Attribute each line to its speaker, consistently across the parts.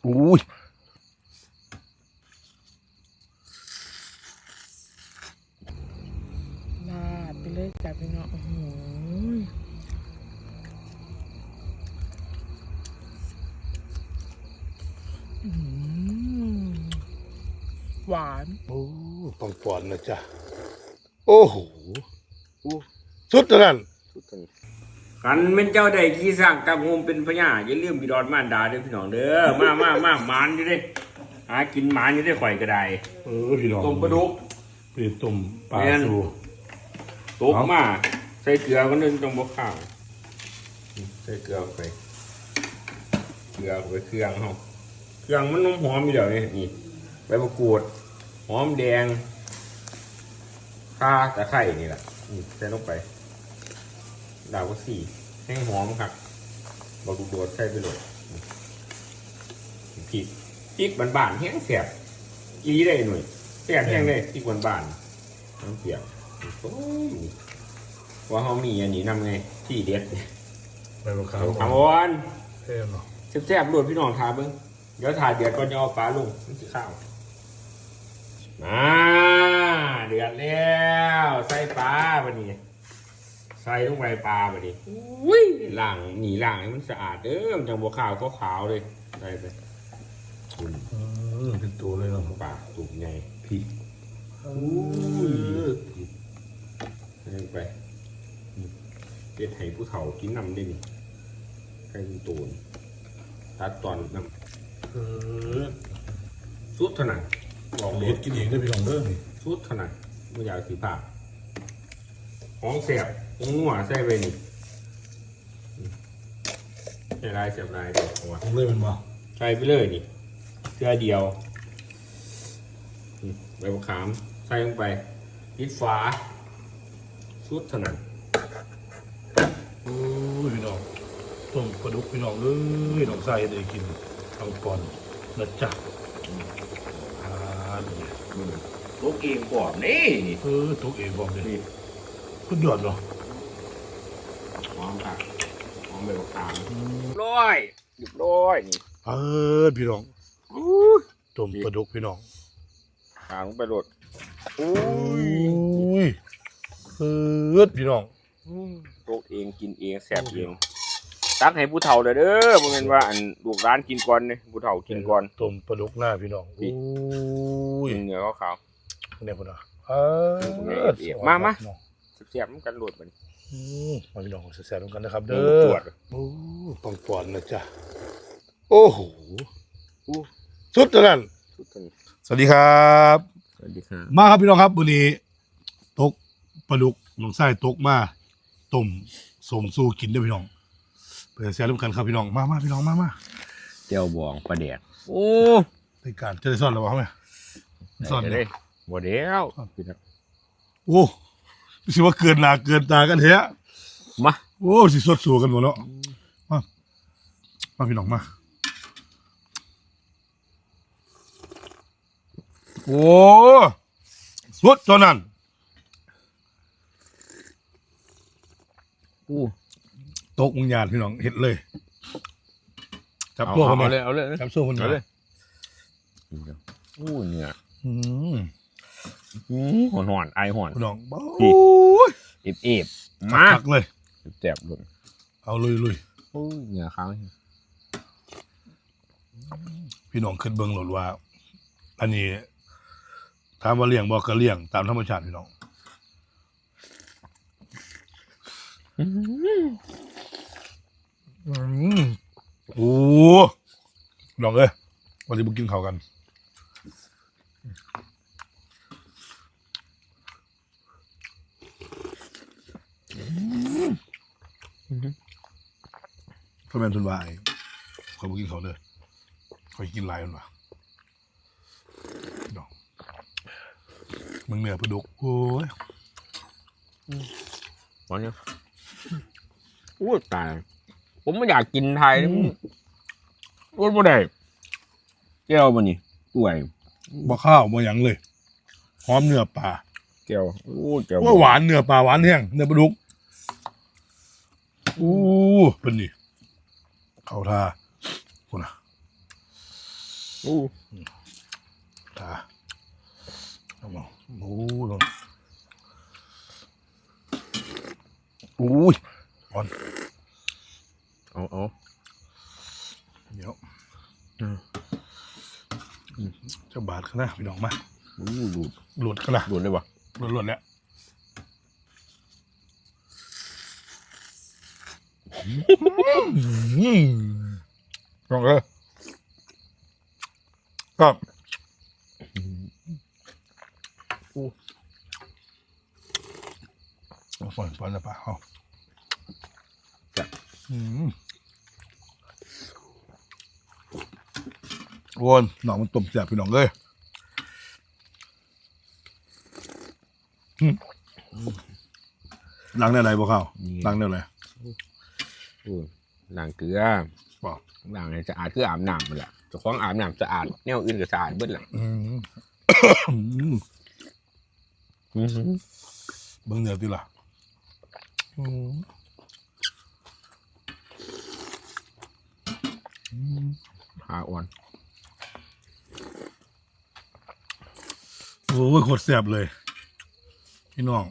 Speaker 1: อุ้ย
Speaker 2: ลาดไปเลยจ้ะพี่น้องโอ้โหหวาน
Speaker 1: โอ้ต้องก่อนนะจ๊ะโอ้โหสุดเท่านั้น
Speaker 3: กันเป็นเจ้าใดที่สร้างกับโฮมเป็นพญาอย่าลืมบิดอนมารดาเด้อพี่น้องเด้อมาหมานอยู่เด้หากินหมานอยู่ได้ข่อยก็ได้
Speaker 1: พี่น้อง
Speaker 3: ต้มปลาดุก
Speaker 1: พี่ต้มปลาสู
Speaker 3: ตกมาใส่เกลือก็นึงต้องบ่ข้าวใส่เกลือไปเครื่องเฮาเครื่องมันหอมอยู่เดี๋ยวนี้นี่ใบมะกรูดหอมแดงข่าตะไคร้นี่แหละนี่ใส่ลงไปดาวก็สี่ให้หอมครับบอกดูโดดใส่ไปเลยพริกบานๆแห้งแสบอีได้หน่อยแสบแห้งเลยพริกบานๆน้ำเปียกโอ้ยว่าเขามีอันนี้นำไงที่เด็ด
Speaker 1: ใบมะขาม
Speaker 3: ถามวัน
Speaker 1: เท่เนาะ
Speaker 3: แซ่บๆรวดพี่น้องทาเบิ้งเดี๋ยวทาเดือดก่อนจะเอาปลาลงนี่คือข้าวมาเดือดแล้วใส่ปลาบัดนี้ใส่ลงไปปลาบัดนี้อุ้ยล้างให้มันสะอาดเด้อมันจังบัวขาวก็ขาวเลยใส่ไปคุณ
Speaker 1: เป็นตัวเลยเนาะ
Speaker 3: ปลาตุ่มใหญ่พริกใส่ลงไปเป็ดไห้ผู้เฒ่ากินน้ำได้นี่ไข่ตูนตัดตอนน้ำสุดเท่านั้นบอกเล
Speaker 1: เด็
Speaker 3: ย
Speaker 1: ดกินเองได้พี่น้องเด้อนี่
Speaker 3: สุดเท่านั้นไม่อยากสีผ้าของแสบของนัวใส่ไปนี่ใส่ลายเสียบลายเดี๋ยวเอาวะ
Speaker 1: ต้องเลยมันมา
Speaker 3: ใส่ไปเลยนี่เสื้อเดียวใบมะขามใส่ลงไปปิดฝาสุดเท่านั้น
Speaker 1: โอ้ยพี่น้องต้มปลาดุกพี่น้องเลยน้องใส่ได้กินเอาก่อนนะจ๊ะนี่
Speaker 3: ลูกเองก่อนนี่
Speaker 1: ตัวเองบอกเลย
Speaker 3: นี่
Speaker 1: สุดยอดเนาะ
Speaker 3: หอมค่ะหอมใบมะขามร้อยหยุดร้อยนี่
Speaker 1: พี่น้องต้มปลาดุกพี่น้อง
Speaker 3: ขางไปโดดอุ้
Speaker 1: อุ้ยพี่น้อง
Speaker 3: ลูกเองกินเองแสบเองตักให้ผู้เฒ่าเลยเด้อบ่แม่นว่าอันลูกร้านกินก่อนเนี่ยผู้เฒ่ากินก่อน
Speaker 1: ต้มปลาดุกหน้าพี่น้องอุ้ย
Speaker 3: กินเนื้อขาว
Speaker 1: เนี่ยพุ่นอ่ะ
Speaker 3: มาเสียบๆกันโหลดมัน
Speaker 1: มาพี่น้องแซ่บๆกันนะครับ
Speaker 3: เด้
Speaker 1: เด้
Speaker 3: อ
Speaker 1: อต้องก่อนนะจ๊ะโอ้โหสุดเท่านั้นสวัสดีครับ
Speaker 3: สวัสดีครับ
Speaker 1: มาครับพี่น้องครับวันนี้ตกปลาดุกน้องไส้ตกมาต้มสมสู้กินด้วยพี่น้องเพื่อแซ่บร่วมกันครับพี่น้องมาพี่น้องมา
Speaker 3: เจียวบองปลาแดกโอ้
Speaker 1: ในการจะได้ซ่อนหรือเปล่าไหมซ่อน
Speaker 3: เล
Speaker 1: เลย ย
Speaker 3: บ่เดียวพี่น้อง
Speaker 1: โอ้สิว่าเกินหนาเกินตากันเถอะ
Speaker 3: มา
Speaker 1: โอ้สิสดสู้กันหมดแล้วมาพี่น้องมาโอ้สุดเท่านั้น
Speaker 3: อู้
Speaker 1: ตกมึงยานพี่น้องเห็ดเลยจับตัวคนเลย
Speaker 3: เอาเลย
Speaker 1: จับตัวคนเลย
Speaker 3: อู้เนื้อหอนไอหอน
Speaker 1: พี่น้องโ
Speaker 3: เอบมา
Speaker 1: จักเลย
Speaker 3: แซ่บเลย
Speaker 1: เอาลุย
Speaker 3: อู้เนื้อขาว
Speaker 1: พี่น้องขึ้นเบิ้งหลดว่า อันนี้ถามว่าเลี้ยงบอกก็เลี้ยงตามธรรมชาติพี่น้องโอ้น้องเอ้ยวันนี้บุกกินข้าวกันพ่อแม่ทุนวายคอยบุกกินข้าวเลยคอยกินลายมันวะน้องมึงเหนือปลาดุกโอ้ย
Speaker 3: หอนเนี่ยอู้ตายผมไม่อยากกินไทยรู้บ่ได้แก้วมันนี่ป่วย
Speaker 1: บ่ข้าวบ่หยังเลยหอมเนื้อปลา
Speaker 3: แก้วอู้แก้ว
Speaker 1: ว่าหวานเนื้อปลาหวานแห้งเนื้อปลาดุกเป็นนี่เข้าท่าคุณนะ
Speaker 3: อู้
Speaker 1: เอามาโอ้ลงอุ้ยอ่อน
Speaker 3: เอา
Speaker 1: เดี๋ยวจะบาดขนาดพี่น้องมา
Speaker 3: อู้หลุด
Speaker 1: หลุดขนาด
Speaker 3: หลุดเลยวะ
Speaker 1: หลุดแล้วลองครับฝนแล้วปะเอาโวนหนองมันต้มแซ่บพี่น้องเลยล้างได้ไรบ่ข้าวล้างได้ไร
Speaker 3: อู้ล้างเกลือ
Speaker 1: บ่
Speaker 3: ล้างให้สะอาดคืออาบน้ำมันแหละเจ้าของอาบน้ำสะอาดแนวอื่นก็สะอาดเบิดแหละ
Speaker 1: เบิ่งเนื้อติล่ะ
Speaker 3: ขาอ่อน
Speaker 1: โอ้ยโคตรแซ่บเลยพี่น้อง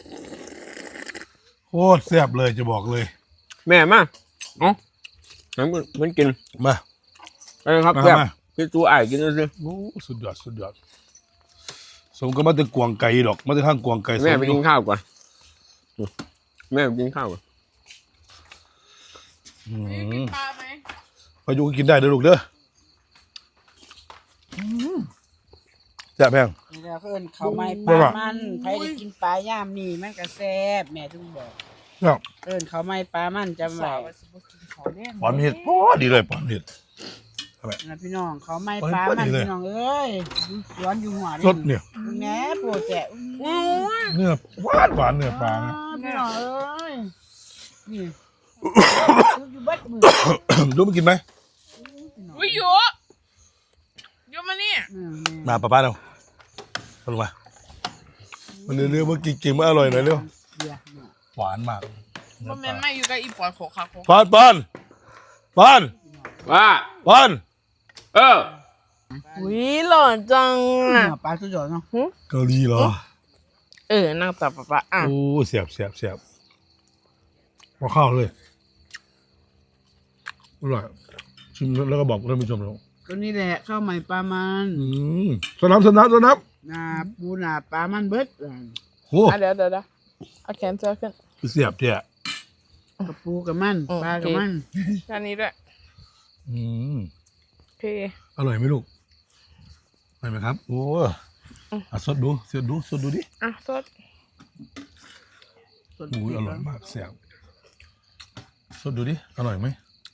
Speaker 1: โคตรแซ่บเลยจะบอกเลย
Speaker 3: แม่มาเอ้าน้ำมันกิน
Speaker 1: มา
Speaker 3: ไปครับ
Speaker 1: มา
Speaker 3: แซ่บ
Speaker 1: มา
Speaker 3: คือตัวไอ้กินด้วยสิ
Speaker 1: โอ้สุดยอดสุดยอดสมก็มาแต่กวางไก่ดอกมาแต่ข้างกวางไก่
Speaker 3: แม่ไปกินข้าวก่อนแม่ไปกินข้าวก่อน
Speaker 2: กินปลาไหม
Speaker 1: พายุก็กินได้เด้อลูกเด้อแซ่บแพง
Speaker 4: นี่เราเอิ้นเขาวไม้ปลามันใครได้กินปลาย่ามนี่มันก็แซ่บแม่ถึงบอก
Speaker 1: เนี่ย
Speaker 4: เอิ้นเขาวไม้ปลามันจำไว้
Speaker 2: สาวว่าสิบ่กินเขาแดง
Speaker 1: ปอนเห็ดพอดีเลยปอนเห็ด
Speaker 4: นะพี่น้องเขาวไม้ปลามันพี่น้องเอ้ยอยู่สวนอยู่หัว
Speaker 1: สดเนี่ย
Speaker 4: แหน่โปรแจะ
Speaker 1: เนื้อหวานเนื้อปลานะ
Speaker 4: พี่น้องเอ้ยนี่อยู่เบัดมือ
Speaker 1: ดูมากินไหม
Speaker 2: อุ้ยโยโยมานี่
Speaker 1: มาป้าเราลงมามันเนื้อๆเมื่อกี้กินมาอร่อยหน่อยเร็ว
Speaker 4: เดี๋ยวเนี่ย
Speaker 1: หวานมาก
Speaker 2: บ่แม่นไม่อยู่กับอีปอนโขกค่ะโขก
Speaker 1: ปอน
Speaker 3: ว่า
Speaker 1: ปอน
Speaker 2: อุ้ยหล่อจังอ่ะ
Speaker 4: เนื้อปลาสุดยอดเนาะ
Speaker 1: เกาหลีเหรอ
Speaker 2: นั่งตับปะอ่ะ
Speaker 1: โอ้เสียบพอเข้าเลยอร่อยชิมแล้วก็บอกท่านผู้ชมเรา
Speaker 4: ตัวนี้แหละข้าวไม้ปลามัน
Speaker 1: สนับ
Speaker 4: หน้าปูหน้าปลามันเบิด
Speaker 1: โอ้
Speaker 2: เดี๋ยวเอาแขนเจอขึ้น
Speaker 1: เสียบเท่ะ
Speaker 4: กับปูกับมันปลากับมัน
Speaker 2: อันนี้ด้วยโอเค
Speaker 1: อร่อยไหมลูกอร่อยไหมครับโอ้สดดูดิ
Speaker 2: อ่ะสด
Speaker 1: โอ้ยอร่อยมากเสียบสดดูดิอร่อยไหม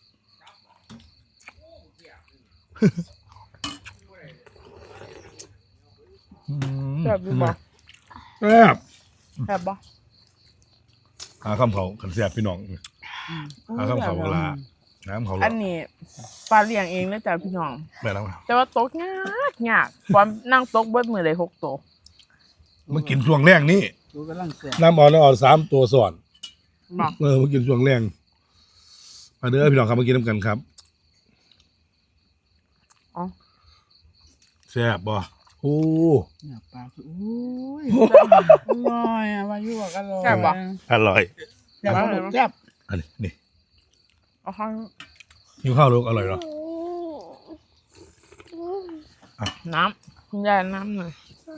Speaker 2: แบบดูบ่
Speaker 1: แซ่บ
Speaker 2: แบบบ่
Speaker 1: หาคำเขาขันแซ่บพี่น้องหาคำเขาเวลาน้ำเขาหล
Speaker 2: อั
Speaker 1: อน
Speaker 2: นี้ปลาเลี้ยงเองนะจ๊ะพี่น้อง
Speaker 1: แบบนั้น
Speaker 2: แต่ว่าตกยากความนั่งตกเบิดมือเลย6ตัว
Speaker 1: มากินช่วงแรกนี่
Speaker 4: ปูกำลังแซ่บ
Speaker 1: น้ำอ่อน3 ตัวส่วน
Speaker 2: บอก
Speaker 1: มากินช่วงแรงมาเด้อพี่น้องครับมากินน้ำกันครับ
Speaker 2: อ๋อ
Speaker 1: แซ่บบ่โอ้
Speaker 4: เนื้อปลาคืออุ้ยอร่อยอ่ะวายุบอกอร่อย
Speaker 2: แซ่บบ่
Speaker 1: อร่อย
Speaker 4: แซ่บบ่ลูกแซ่บ
Speaker 1: อันนี้นี่
Speaker 2: เอาข้าง
Speaker 1: หิวข้าวลูกอร่อยเหรอ
Speaker 2: น้ำคุณยายน้ำหน่อย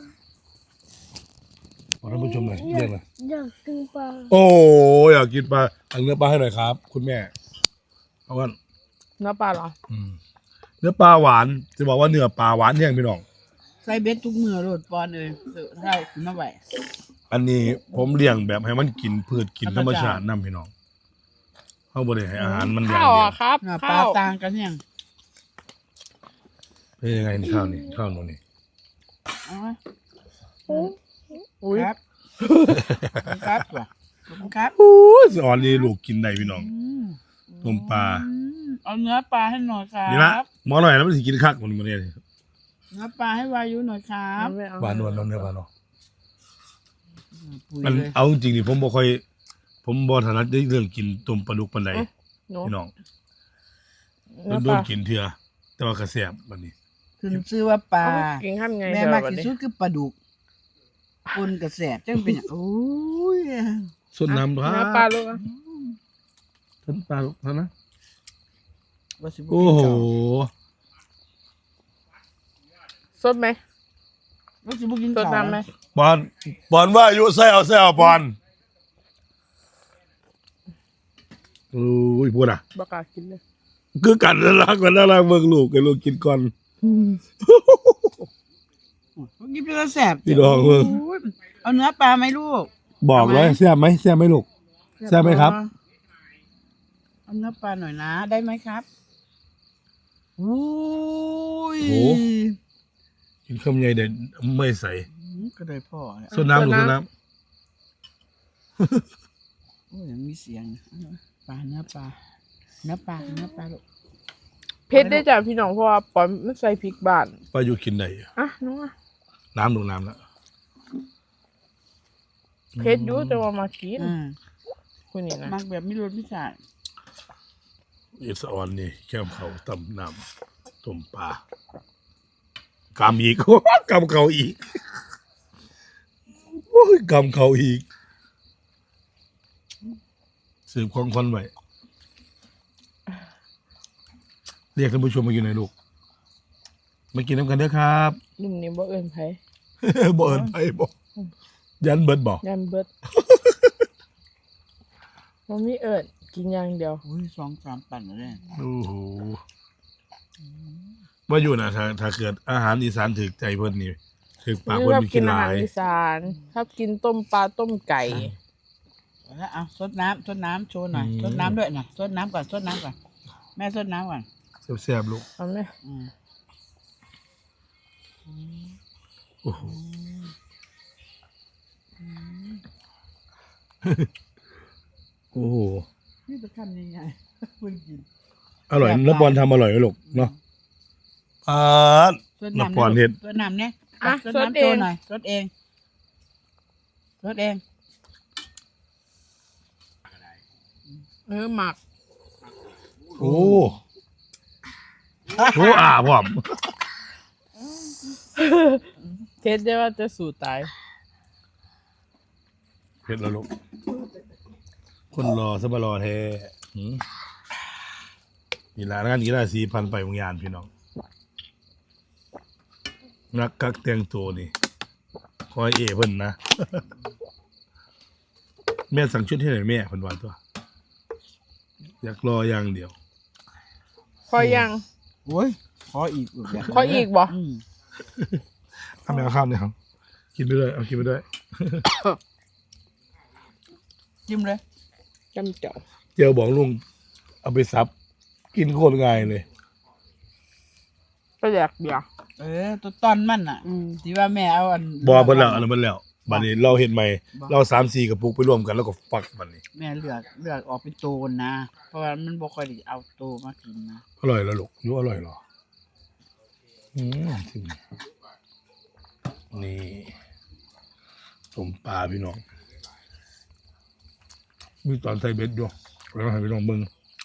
Speaker 1: ขอท่านผู้ชมหน่อยเรียกหน่อย
Speaker 5: อยากกินปลา
Speaker 1: โอ้อยากกินปลาเอาเนื้อปลาให้หน่อยครับ คุณแม่เอากัน
Speaker 2: เนื้อปลาเหรอ
Speaker 1: เนื้อปลาหวานจะบอกว่าเนื้อปลาหวานแห้งพี่น้อง
Speaker 4: ใส่เบ็ดทุกมื้อโลดปอนเอ้ยเท่าขึ้นมาไว้
Speaker 1: อันนี้ผมเลี้ยงแบบให้มันกินพืชกินธรรมชาตินํพี่น้องเขาบ่ได้ให้อาหารมันอย่าง
Speaker 2: ข้าว
Speaker 1: เดียว
Speaker 2: อ่ะครับ
Speaker 4: เนื้อปลา
Speaker 2: ข้าว
Speaker 4: ต่างกันยัง
Speaker 1: เป็นยังไงนี่ข้าวนี่ข้าวหนูนี่
Speaker 4: เอาไหม
Speaker 2: อุ้ย
Speaker 4: ครับครับว่ะขอบคุณครับ
Speaker 1: โอ้ยสอนนี่ลูกกินได้พี่น้องต้มปลา
Speaker 4: เอาเนื้อปลาให้หน่อยครั
Speaker 1: นี่ละ
Speaker 4: บ
Speaker 1: หมอหน่อยแล้วมันสิกินคักมันเนี่ย
Speaker 4: เนื้อปลาให้วายุหน่อยครับ
Speaker 2: ไม่เอา
Speaker 1: หวานนวลเนื้อปลาเนาะ
Speaker 4: ปุ๋ย
Speaker 1: มัน
Speaker 4: เลย
Speaker 1: เอาจริงๆนี่ผมบ่ถนัดในเรื่องกินต้มปลาดุกปานใด
Speaker 2: หนู
Speaker 1: พี่น้อง
Speaker 2: เนื้อ
Speaker 1: โด
Speaker 2: ปลาน
Speaker 1: กินเถื่อแต่ว่ากระแสบบัดนี้
Speaker 4: ขึ้นชื่อว่าปลา
Speaker 2: กินข้ามไง
Speaker 4: แม่
Speaker 2: เดี๋ยว
Speaker 4: มาก
Speaker 2: วัน
Speaker 4: ที่
Speaker 2: นี้
Speaker 4: สุดคือปลาดุกปนกระแสบจังเป็นอย่างโอ้ย
Speaker 1: ส่วนน้ำด้วย
Speaker 2: น้ำปลาลูกอ่ะ
Speaker 1: ท่านปลาลูกท่านนะ
Speaker 4: ว่าสิบ่
Speaker 1: โอ้โห
Speaker 2: สดไหม
Speaker 4: ว่าสิบ่กิน
Speaker 2: สด
Speaker 4: ข้าว
Speaker 2: น้ำไหม
Speaker 1: บอลว่าอายุใส่เอาบอลโอ้ยพูดอ่ะ
Speaker 2: บักกล้ากินเลย
Speaker 1: คือกันน่ารักกว่าน่ารักเบิ่งลูกให้ลูกกินก่อน
Speaker 4: ว่ากินเป็นกระแสบ
Speaker 1: พี่น้องเบิ่ง
Speaker 4: โอ้ยเอาเนื้อปลาไหมลูก
Speaker 1: บอกเลยแซ่บไหมลูก แซ่บไหมครับ
Speaker 4: เอาเนื้อปลาหน่อยนะได้ไหมครับโอ้ย
Speaker 1: โอ้ กินคำใหญ่เด็ดไม่ใส่
Speaker 4: ก็ได้พ่อเนี่ย
Speaker 1: ส่วนน้ำลูกส่วนน้
Speaker 4: โอ้ยยังมีเสียงปลาเนื้อปลาเนื้อปลาลูก
Speaker 2: เพชรได้จากพี่น้องเพราะว่าปอนมันใส่พริกบ้าน
Speaker 1: ำป้าอยู่กินไหน
Speaker 2: อ่ะน้องอ่ะ
Speaker 1: น้ำลูกน้ำแล้ว
Speaker 2: เพชรอยู่แต่ว่ามากิน
Speaker 4: อืม
Speaker 2: คุณนี่นะ
Speaker 4: มักแบบไม่รสไม่ชาติ
Speaker 1: เอสออนนี่แก้มเขาตำน้ำต้มปลากำอีก กำเขาอีกโอ้ยกำเขาอีกสืบของคนไว้เรียกท่านผู้ชมมาอยู่ไหนลูกมากินน้ำกันเด้อครับ
Speaker 2: นุ่มนี่บ่เอิญไผ
Speaker 1: บ่เอินไปบ่ยันเบิดบ่
Speaker 2: ยันเบิดมันมีเอิญกินอย่างเดียว
Speaker 4: โอ้ย2-3 ปั่นเลย
Speaker 1: โอ้โหว่าอยู่นะถ้าเกิดอาหารอีสานถึกใจเพิ่นนี่ถึกปากเพิ่นมีกินห
Speaker 2: อา
Speaker 1: ลา
Speaker 2: หาร
Speaker 1: ย
Speaker 2: อีสานชอบกินต้มปลาต้มไก่
Speaker 4: แล้วเอาซดน้ำโชว์หน่อยซดน้ำด้วยนะซดน้ำก่อนแม่ซดน้ำก่อน
Speaker 1: แซ่บๆลูก
Speaker 2: เอาไหม
Speaker 4: อืม
Speaker 1: โอ้โหโอ้โห
Speaker 4: นี่จะทำยังไงเพิ่งกิน
Speaker 1: อร่อยน้ำปอนทำอร่อยไหมลูกเนาะ
Speaker 4: ซด
Speaker 1: น้ำปอนเห็ด
Speaker 4: ซดน้ำเนี่ย
Speaker 2: อ่ะ
Speaker 4: ซด
Speaker 2: สด
Speaker 4: น้ำ
Speaker 2: เอ
Speaker 4: โช
Speaker 2: ง
Speaker 4: ว์หน่อยซดเอง
Speaker 2: หมัก
Speaker 1: โอ้โหพร้อม
Speaker 2: เพชรได้ว่าจะสู่ตาย
Speaker 1: เผ็ดแล้วลูกคนรอซะมารอแท้หืมนี่ละงานกีฬา4,000ไปวงยานพี่น้องนักกักแต่งตัวนี่คอยเพิ่นนะ แม่สั่งชุดให้หน่อยแม่เพิ่นว่าตัว อยากรออย่างเดียว
Speaker 2: พอยัง
Speaker 4: โอ้ยขออีกลูกย่า
Speaker 2: ขออีกบ่
Speaker 4: อืม
Speaker 1: ทำแมวข้ามเนี่ยครับกินไปด้วยเอากินไปด้วย
Speaker 4: จิ้มเลย
Speaker 2: จำเจ้า
Speaker 1: เจียวบอกลุงเอาไปซับ กินโคตรง่ายเลย
Speaker 2: ไปแดกเบียร์
Speaker 4: ตัวตอนมันอ่ะที่ว่าแม่เอาอัน
Speaker 1: บอเพิ่นแล้วอันนั้นเพิ่นแล้วบัดนี้เราเห็นไหมเรา3-4กระปุกไปรวมกันแล้วก็ฟักบัดนี้
Speaker 4: แม่เลือกออกเป็นโตนนะ เพราะว่ามันบ่ค่อยได้เอาโตมากินนะ
Speaker 1: อร่อยแล้วลูกรู้อร่อยเหรอถึงนี่ต้มปลาพี่น้องมีตอนใส่เบ็ดอยู่แล้วให้พี่น้องเบิ่ง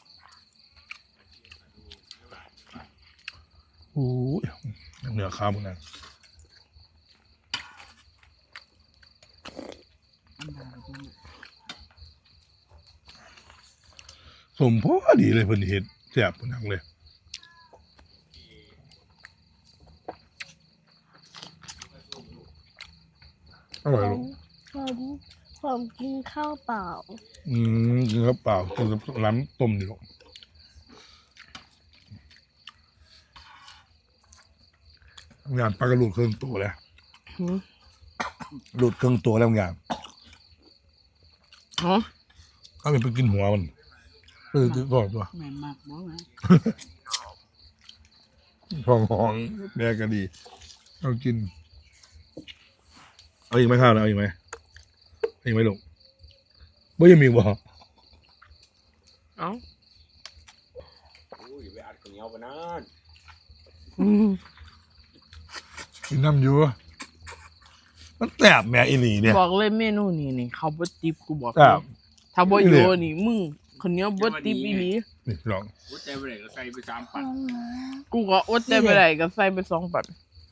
Speaker 1: โอ้ยเนื้อข้าวมันนะสมพอดีเลยเพิ่นเฮ็ดแซ่บเพิ่นนังเลยอร่อยลูก
Speaker 5: ผมกินข้าวเปล่า
Speaker 1: กินข้าวเปล่ากินกับน้ำต้มนี่ลูกงานปลากระหลุดเครื่องตัวแล้วหลุดเครื่องตัวแล้วงาน
Speaker 2: อ๋อ
Speaker 1: เขาเป็นไปกินหัวมันก่อนตัว
Speaker 4: แม่มากบ่นะ
Speaker 1: ห้องแม่ก็ดีเอากินเอาอีกไหมข้าวนะเอาอีกไหมเอาอีกไหมลูกบ่ยังมีบ่
Speaker 2: เอ้า
Speaker 3: โอ้ยไปอัดข้าวเหนียวไปนั่น
Speaker 1: กินน้ำอยู่มันแสบแม่อีหลีเนี่ย
Speaker 2: บอกเลยเมนูนี้นี่เขาบ่ติบกูบอก
Speaker 1: แซ่บ
Speaker 2: ถ้าบ่อยู่นี่มึงคนเหนี้ยบ่ติบอีหลี
Speaker 1: นี่พี่น้อง
Speaker 3: หัวใจไปไหนก็ใส่ไป3 ปัน
Speaker 2: กูก็อดใจไปไหนก็ใส่ไป2 ปัน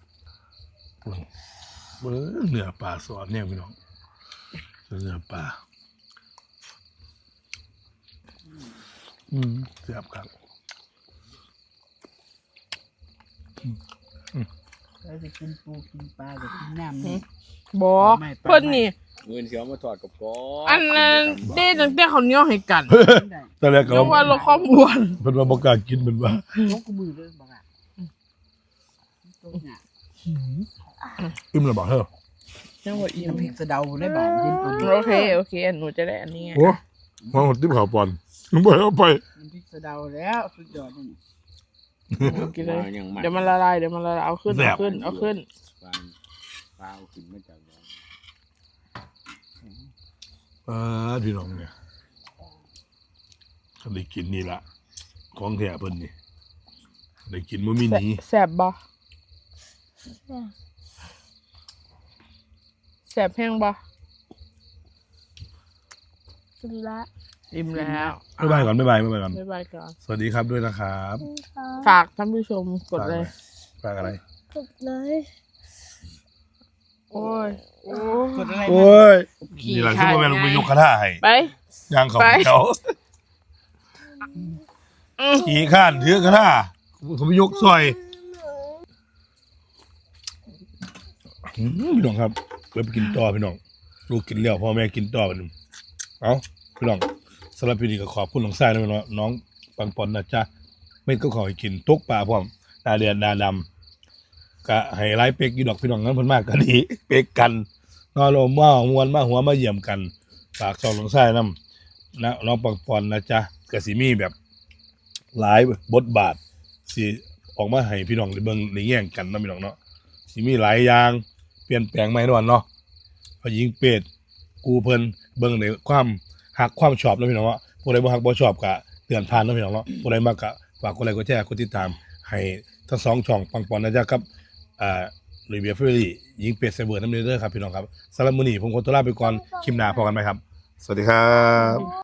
Speaker 1: เบิ้งเนื้อปลาสดเนี่ยพี่น้องเนื้อปลาเสียบครับ
Speaker 4: เราจะกินปูกินปลาจะกินน้ำนี่
Speaker 2: บ่เพิ่นนี่
Speaker 3: เงินเสียวมาถอดกับก้อ
Speaker 2: อันนั้นเด้ตั้งแต่เขาวเหนียวให้กัน
Speaker 4: ได้
Speaker 1: ตอนแรกก็
Speaker 2: เรียกว่าเราความอ้วน
Speaker 1: เพิ่นว่าบ่กล้ากินเป็นว่า
Speaker 4: ยกมือเลยบอกอ่ะตรงเนี่ย
Speaker 1: อึ้มแล้วบอกเฮ้อ
Speaker 2: ยังบ่อิ่ม
Speaker 4: น้ำพริกสะเดาได้บาทเย็นตัวนี้
Speaker 2: โอเคหนูจะได้อันนี้ไง
Speaker 1: โอ้ห้องติ๊บข่าวปอนมึงบ่ให้เอาไป
Speaker 4: น้ำพริกสะเดาแล้วสุดยอดนี่
Speaker 2: กินเลย
Speaker 3: ยังมัน
Speaker 2: เดี๋ยวมันละลายเอาขึ้น
Speaker 1: แซ่บ
Speaker 2: เอาขึ้น
Speaker 3: ปลาเอาขึ้นมาจากบ่อ
Speaker 1: พี่น้องเนี่ยเขาได้กินนี่ละของแท้เพิ่นนี่ได้กินบ่มีหนี
Speaker 2: แซ่บบ่แซ่บแห้งบ่
Speaker 5: กินละ
Speaker 2: อิ่มแล้ว
Speaker 1: บ๊ายบายก่อนบ๊ายบายก่อน
Speaker 2: บ๊ายบายก่อน
Speaker 1: สวัสดีครับด้วยนะครับ
Speaker 2: ฝากท่านผู้ชมกดเลย
Speaker 1: ฝากอะไร
Speaker 5: กดเลย
Speaker 2: โอ้ย
Speaker 4: กดอะไร
Speaker 1: โอ้ยนี่แหละที่พ่อแม่ลงไปยกกระทะให้
Speaker 2: ไป
Speaker 1: ย่างเขา
Speaker 2: ไป
Speaker 1: เขาขี่ข้านถือกระทะเขาไปยกซอยพี่น้องครับเริ่มกินต่อพี่น้องลูกกินแล้วพ่อแม่กินต่อกันเอาพี่น้องสำหรับพี่นี่ก็ขอบคุณน้องทรายนะพี่น้องน้องปังปอนนะจ๊ะไม่ก็ขอให้กินตกปลาพร้อมตาเดือนดาดำก็ให้ไล่เป็กอยู่ดอกพี่น้องนั้นเพิ่นมากก็ดีเป็กกันนอนลมว่ามวนมาหัวมาเยี่ยมกันฝากช่องน้องทรายนํนะน้องปังปอนนะจ๊ะก็สิมีแบบหลายบทบาทสิออกมาให้พี่น้องได้เบิ่งได้แย่งกันนะพี่น้องเนาะสิมีหลายอย่างเปลี่ยนแปลงใหม่ด้วยเนาะพอยิงเป็ดกูเพิ่นเบิ่งในความหักความชอบนะพี่น้องเนาะผู้ใดบ่ฮักบ่ชอบก็เตือนผ่านนะพี่น้องเนาะผู้ใดมักก็ฝากกดไลค์กดแชร์กดติดตามให้ทั้งสองช่องปังปอนนะจ๊ะครับลุยเบียร์เฟอรี่ยิงเป็ดเซเวอร์น้ำเด้อครับพี่น้องครับสำหรับมื้อนี้ผมขอตัวลาไปก่อนคลิปหน้าพบกันไหมครับ สวัสดีครับ